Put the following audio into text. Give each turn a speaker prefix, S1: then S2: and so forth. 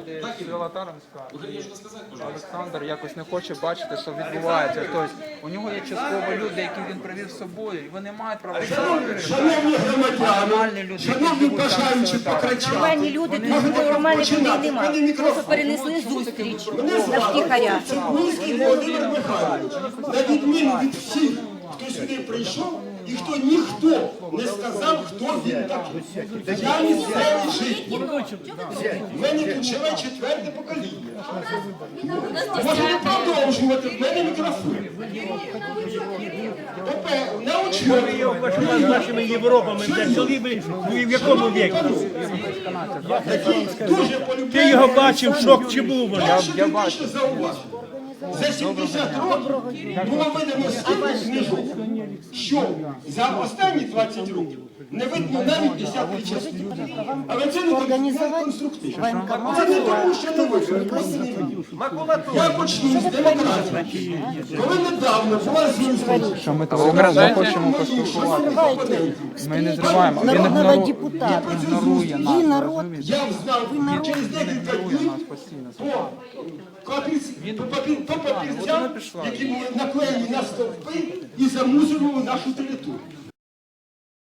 S1: люди з села Таранська. Олександр якось не хоче бачити, що відбувається. Тобто у нього є частково люди, які він привів з собою, і вони мають право.
S2: Шановні громадяни, шановні бажаючі покричати.
S3: Нормальні люди, тут нормальних людей немає. Просто перенесли зустріч на втіхаря.
S2: Чернігівський Володимир Михайлович, на відміну від всіх, хто сюди прийшов, і хто ніхто не сказав, хто він такий. Я місцевий житель. В мене тут живе 4-те покоління. Можете продовжувати, в мене мікрофон. На очі.
S4: З нашими Європами, де чоловік в якому віку?
S2: Дуже полюбляю.
S4: Ти його бачив, шок чи був вони?
S2: Я бачу. За 70 років було видано стільки книжок, що за останні 20 років не видно навіть десятої частини. Але це не конструктивно. Це не тому, що не видно. Я почну з демократії. Коли недавно була зустріч,
S1: Що ми того не хочемо поспілкуватися. Ми не зриваємо. Він ігнорує нас, розумієте?
S2: я знав, і через декілька
S1: Ігнорує
S2: днів
S1: нас постійно.
S2: по папірцям, які були наклеєні на стовпи і замусорували нашу територію.